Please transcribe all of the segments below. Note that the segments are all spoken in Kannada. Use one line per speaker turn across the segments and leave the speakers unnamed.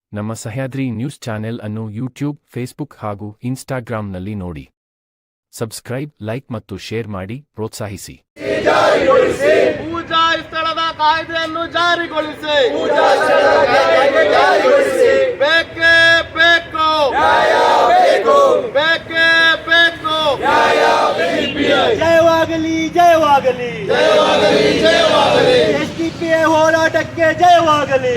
ನಮ್ಮ ಸಹ್ಯಾದ್ರಿ ನ್ಯೂಸ್ ಚಾನೆಲ್ ಅನ್ನು ಯೂಟ್ಯೂಬ್, ಫೇಸ್ಬುಕ್ ಹಾಗೂ ಇನ್ಸ್ಟಾಗ್ರಾಂನಲ್ಲಿ ನೋಡಿ. ಸಬ್ಸ್ಕ್ರೈಬ್, ಲೈಕ್ ಮತ್ತು ಶೇರ್ ಮಾಡಿ ಪ್ರೋತ್ಸಾಹಿಸಿ.
ಪೂಜಾ ಸ್ಥಳದ ಕಾಯ್ದೆಯನ್ನು ಜಾರಿಗೊಳಿಸಿ. ಬೇಕೇ ಬೇಕು, ಬೇಕೇ ಬೇಕು.
ಜಯವಾಗಲಿ ಜಯವಾಗಲಿ ಎಸ್ಡಿಪಿಐ ಹೋರಾಟಕ್ಕೆ ಜಯವಾಗಲಿ.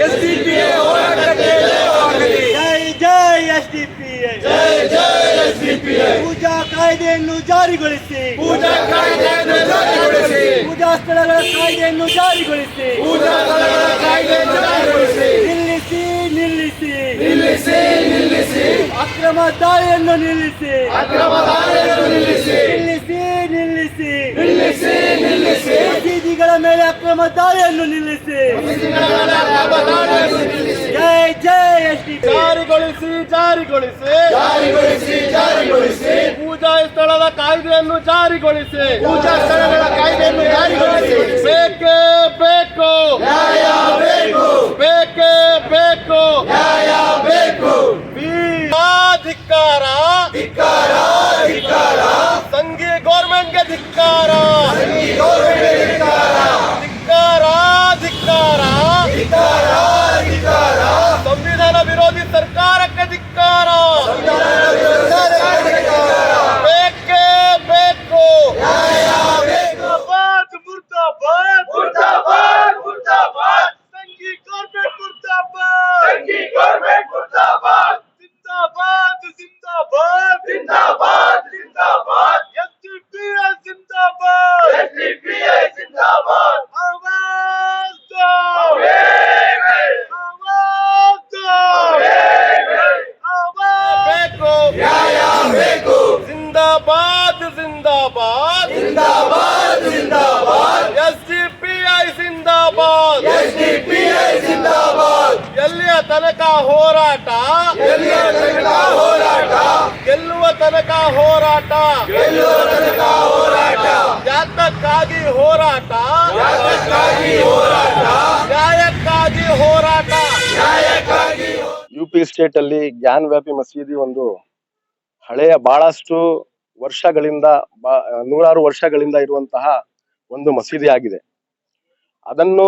ಜೈ ಜೈ ಎಸ್ಡಿಪಿಐ. ಪೂಜಾ ಕಾಯ್ದೆಯನ್ನು ಜಾರಿಗೊಳಿಸಿ. ಪೂಜಾ ಸ್ಥಳಗಳ ಕಾಯ್ದೆಯನ್ನು ಜಾರಿಗೊಳಿಸಿ. ನಿಲ್ಲಿಸಿ ಅಕ್ರಮ ದಾಳಿಯನ್ನು ನಿಲ್ಲಿಸಿ. ಮಸೀದಿಗಳ ಮೇಲೆ ಅಕ್ರಮ ದಾಳಿಯನ್ನು ನಿಲ್ಲಿಸಿ. ಜೈ ಜೈ ಎಸ್ಡಿಪಿಐ.
ಜಾರಿಗೊಳಿಸಿ. ಪೂಜಾ ಸ್ಥಳದ ಕಾಯ್ದೆಯನ್ನು ಜಾರಿಗೊಳಿಸಿ. ಬೇಕೇ ಬೇಕು, ಬೇಕೇ ಬೇಕು. ಧಿಕ್ಕಾರ, ಸಂಘಿ ಗೌರ್ಮೆಂಟ್ಗೆ ಧಿಕ್ಕಾರ. ಸಂವಿಧಾನ ವಿರೋಧಿ ಸರ್ಕಾರಕ್ಕೆ ಧಿಕ್ಕಾರ. ಬೇಕೇ ಬೇಕು. ಸಂಘಿ ಗೌರ್ಮೆಂಟ್ ಮುರ್ದಾಬಾದ್. ಜಿಂದಾಬಾದ್. ಎಸ್ಡಿಪಿಐ ಜಿಂದಾಬಾದ್. ಆವಾಜ್ ದೋ. ಬೇಕು. ಜಿಂದಾಬಾದ್. ಎಸ್ಡಿಪಿಐ ಜಿಂದಾಬಾದ್. ಎಲ್ಲಿಯ ತನಕ ಹೋರಾಟ, ಗೆಲ್ಲುವ ತನಕ ಹೋರಾಟ. ಯಾತಕ್ಕಾಗಿ ಹೋರಾಟ, ನ್ಯಾಯಕ್ಕಾಗಿ ಹೋರಾಟ.
ಯುಪಿ ಸ್ಟೇಟ್ ಅಲ್ಲಿ ಜ್ಞಾನ ವ್ಯಾಪಿ ಮಸೀದಿ ಒಂದು ಹಳೆಯ ಬಹಳಷ್ಟು ವರ್ಷಗಳಿಂದ ನೂರಾರು ವರ್ಷಗಳಿಂದ ಇರುವಂತಹ ಒಂದು ಮಸೀದಿ ಆಗಿದೆ. ಅದನ್ನು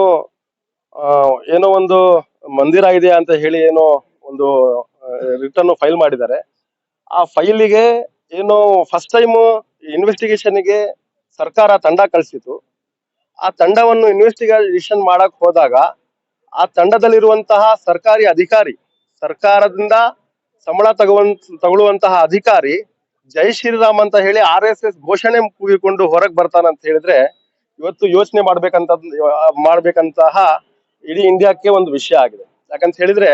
ಏನೋ ಒಂದು ಮಂದಿರ ಇದೆ ಅಂತ ಹೇಳಿ ಏನೋ ಒಂದು ರಿಟರ್ನ್ ಫೈಲ್ ಮಾಡಿದ್ದಾರೆ. ಆ ಫೈಲಿಗೆ ಏನೋ ಫಸ್ಟ್ ಟೈಮ್ ಇನ್ವೆಸ್ಟಿಗೇಷನ್ಗೆ ಸರ್ಕಾರ ತಂಡ ಕಳಿಸಿತು. ಆ ತಂಡವನ್ನು ಇನ್ವೆಸ್ಟಿಗೇಷನ್ ಮಾಡಕ್ ಹೋದಾಗ ಆ ತಂಡದಲ್ಲಿರುವಂತಹ ಸರ್ಕಾರಿ ಅಧಿಕಾರಿ, ಸರ್ಕಾರದಿಂದ ಸಂಬಳ ತಗೊಳ್ಳುವಂತಹ ಅಧಿಕಾರಿ ಜೈ ಶ್ರೀರಾಮ್ ಅಂತ ಹೇಳಿ RSS ಘೋಷಣೆ ಕೂಗಿಕೊಂಡು ಹೊರಗೆ ಬರ್ತಾನಂತ ಹೇಳಿದ್ರೆ ಇವತ್ತು ಯೋಚನೆ ಮಾಡ್ಬೇಕಂತಹ ಇಡೀ ಇಂಡಿಯಾಕ್ಕೆ ಒಂದು ವಿಷಯ ಆಗಿದೆ. ಯಾಕಂತ ಹೇಳಿದ್ರೆ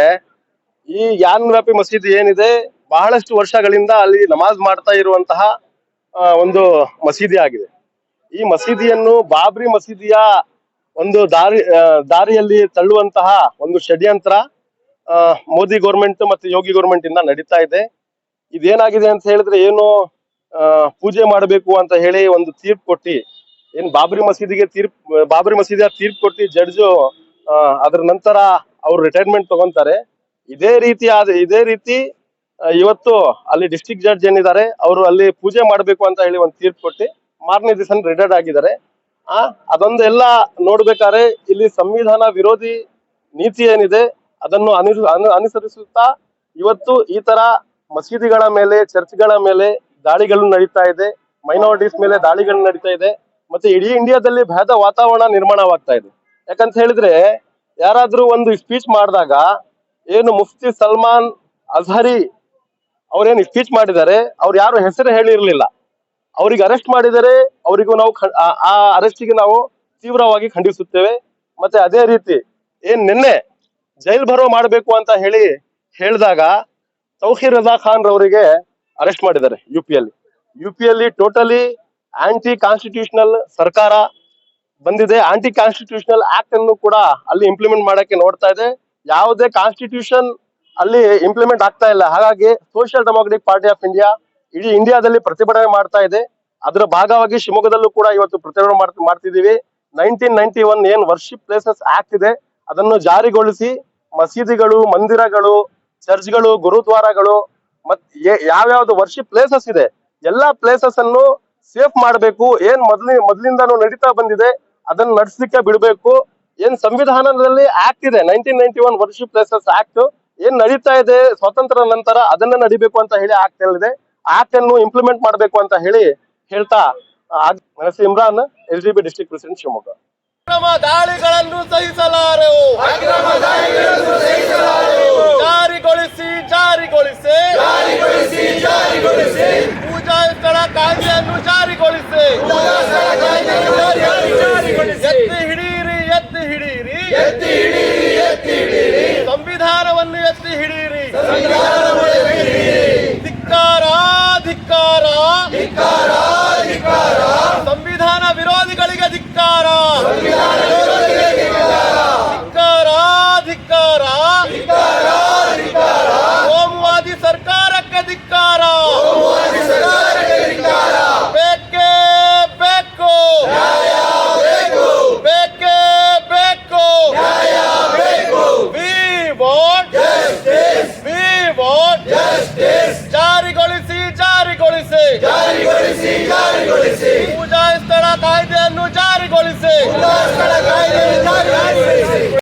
ಈ ಜ್ಞಾನ ವ್ಯಾಪಿ ಮಸೀದಿ ಏನಿದೆ ಬಹಳಷ್ಟು ವರ್ಷಗಳಿಂದ ಅಲ್ಲಿ ನಮಾಜ್ ಮಾಡ್ತಾ ಇರುವಂತಹ ಒಂದು ಮಸೀದಿ ಆಗಿದೆ. ಈ ಮಸೀದಿಯನ್ನು ಬಾಬ್ರಿ ಮಸೀದಿಯ ಒಂದು ದಾರಿಯಲ್ಲಿ ತಳ್ಳುವಂತಹ ಒಂದು ಷಡ್ಯಂತ್ರ ಮೋದಿ ಗೌರ್ಮೆಂಟ್ ಮತ್ತು ಯೋಗಿ ಗೌರ್ಮೆಂಟ್ ಇಂದ ನಡೀತಾ ಇದೆ. ಇದೇನಾಗಿದೆ ಅಂತ ಹೇಳಿದ್ರೆ ಏನು ಪೂಜೆ ಮಾಡಬೇಕು ಅಂತ ಹೇಳಿ ಒಂದು ತೀರ್ಪು ಕೊಟ್ಟಿ, ಏನ್ ಬಾಬ್ರಿ ಮಸೀದಿಯ ತೀರ್ಪು ಕೊಟ್ಟಿ ಜಡ್ಜು ಅದ್ರ ನಂತರ ಅವ್ರು ರಿಟೈರ್ಮೆಂಟ್ ತಗೊಂತಾರೆ. ಇದೇ ರೀತಿ ಇವತ್ತು ಅಲ್ಲಿ ಡಿಸ್ಟ್ರಿಕ್ಟ್ ಜಡ್ಜ್ ಏನಿದ್ದಾರೆ ಅವರು ಅಲ್ಲಿ ಪೂಜೆ ಮಾಡಬೇಕು ಅಂತ ಹೇಳಿ ಒಂದು ತೀರ್ಪು ಕೊಟ್ಟಿ ಮಾರನೇ ದಿವಸ ರಿಟೈರ್ಡ್ ಆಗಿದ್ದಾರೆ. ಅದೊಂದೆಲ್ಲ ನೋಡ್ಬೇಕಾದ್ರೆ ಇಲ್ಲಿ ಸಂವಿಧಾನ ವಿರೋಧಿ ನೀತಿ ಏನಿದೆ ಅದನ್ನು ಅನುಸರಿಸುತ್ತಾ ಇವತ್ತು ಈ ತರ ಮಸೀದಿಗಳ ಮೇಲೆ, ಚರ್ಚ್ಗಳ ಮೇಲೆ ದಾಳಿಗಳು ನಡೀತಾ ಇದೆ, ಮೈನಾರಿಟೀಸ್ ಮೇಲೆ ದಾಳಿಗಳು ನಡೀತಾ ಇದೆ, ಮತ್ತೆ ಇಡೀ ಇಂಡಿಯಾದಲ್ಲಿ ಭಯದ ವಾತಾವರಣ ನಿರ್ಮಾಣವಾಗ್ತಾ ಇದೆ. ಯಾಕಂತ ಹೇಳಿದ್ರೆ ಯಾರಾದ್ರೂ ಒಂದು ಸ್ಪೀಚ್ ಮಾಡಿದಾಗ ಏನು ಮುಫ್ತಿ ಸಲ್ಮಾನ್ ಅಜಹರಿ ಅವ್ರೇನು ಸ್ಪೀಚ್ ಮಾಡಿದ್ದಾರೆ, ಅವ್ರು ಯಾರು ಹೆಸರು ಹೇಳಿರ್ಲಿಲ್ಲ, ಅವ್ರಿಗೆ ಅರೆಸ್ಟ್ ಮಾಡಿದರೆ ಅವರಿಗೂ ನಾವು ಆ ಅರೆಸ್ಟಿಗೆ ನಾವು ತೀವ್ರವಾಗಿ ಖಂಡಿಸುತ್ತೇವೆ. ಮತ್ತೆ ಅದೇ ರೀತಿ ನಿನ್ನೆ ಜೈಲ್ ಭರೋ ಮಾಡಬೇಕು ಅಂತ ಹೇಳಿದಾಗ ತೌಹೀರ್ ರಜಾ ಖಾನ್ ರವರಿಗೆ ಅರೆಸ್ಟ್ ಮಾಡಿದ್ದಾರೆ ಯುಪಿಯಲ್ಲಿ ಟೋಟಲಿ ಆಂಟಿ ಕಾನ್ಸ್ಟಿಟ್ಯೂಷನಲ್ ಸರ್ಕಾರ ಬಂದಿದೆ. ಆಂಟಿ ಕಾನ್ಸ್ಟಿಟ್ಯೂಷನಲ್ ಆಕ್ಟ್ ಅನ್ನು ಕೂಡ ಅಲ್ಲಿ ಇಂಪ್ಲಿಮೆಂಟ್ ಮಾಡಕ್ಕೆ ನೋಡ್ತಾ ಇದೆ. ಯಾವುದೇ ಕಾನ್ಸ್ಟಿಟ್ಯೂಷನ್ ಅಲ್ಲಿ ಇಂಪ್ಲಿಮೆಂಟ್ ಆಗ್ತಾ ಇಲ್ಲ. ಹಾಗಾಗಿ social democratic party of India ಇಡೀ ಇಂಡಿಯಾದಲ್ಲಿ ಪ್ರತಿಭಟನೆ ಮಾಡ್ತಾ ಇದೆ. ಅದರ ಭಾಗವಾಗಿ ಶಿವಮೊಗ್ಗದಲ್ಲೂ ಕೂಡ ಇವತ್ತು ಪ್ರತಿಭಟನೆ ಮಾಡ್ತಿದ್ದೀವಿ. 1991 ಏನ್ ವರ್ಷಿಪ್ ಪ್ಲೇಸಸ್ ಆಕ್ಟ್ ಇದೆ ಅದನ್ನು ಜಾರಿಗೊಳಿಸಿ ಮಸೀದಿಗಳು, ಮಂದಿರಗಳು ಚರ್ಚ್ಗಳು, ಗುರುದ್ವಾರಗಳು ಮತ್ ಯಾವ್ಯಾವ್ದು ವರ್ಷಿಪ್ ಪ್ಲೇಸಸ್ ಇದೆ ಎಲ್ಲಾ ಪ್ಲೇಸಸ್ ಅನ್ನು ಸೇಫ್ ಮಾಡಬೇಕು. ಏನ್ ಮೊದಲಿಂದಾನು ನಡೀತಾ ಬಂದಿದೆ ಅದನ್ನ ನಡ್ಸ್ಲಿಕ್ಕೆ ಬಿಡಬೇಕು. ಏನ್ ಸಂವಿಧಾನದಲ್ಲಿ ಆಕ್ಟ್ ಇದೆ 1991 ವರ್ಷಿಪ್ ಪ್ಲೇಸಸ್ ಆಕ್ಟ್ ಏನ್ ನಡೀತಾ ಇದೆ ಸ್ವಾತಂತ್ರ್ಯ ನಂತರ ಅದನ್ನ ನಡಿಬೇಕು ಅಂತ ಹೇಳಿ ಆಕ್ಟ್ ಹೇಳಿದೆ. ಆಕ್ಟ್ ಅನ್ನು ಇಂಪ್ಲಿಮೆಂಟ್ ಮಾಡಬೇಕು ಅಂತ ಹೇಳ್ತಾ ನನ್ನ ಹೆಸರು Imran, LGB district president, Shivamogga.
ಅಕ್ರಮ ದಾಳಿಗಳನ್ನು ಸಹಿಸಲಾರೆವು. ಜಾರಿಗೊಳಿಸಿ ಪೂಜಾ ಸ್ಥಳ ಕಾಯ್ದೆಯನ್ನು ಜಾರಿಗೊಳಿಸಿ. ಎತ್ತಿ ಹಿಡೀರಿ ಸಂವಿಧಾನವನ್ನು ಎತ್ತಿ ಹಿಡೀರಿ. ಧಿಕ್ಕಾರ ಸಂವಿಧಾನ ವಿರೋಧಿಗಳಿಗೆ ಧಿಕ್ಕಾರ. ಕೋಮುವಾದಿ ಸರ್ಕಾರಕ್ಕೆ ಧಿಕ್ಕಾರ. ಬೇಕೇ ಬೇಕು. We want ಜಾರಿಗೊಳಿಸಿ. ಪೂಜಾ ಸ್ಥಳ ಕಾಯ್ದೆಯನ್ನು ಜಾರಿಗೊಳಿಸಿ.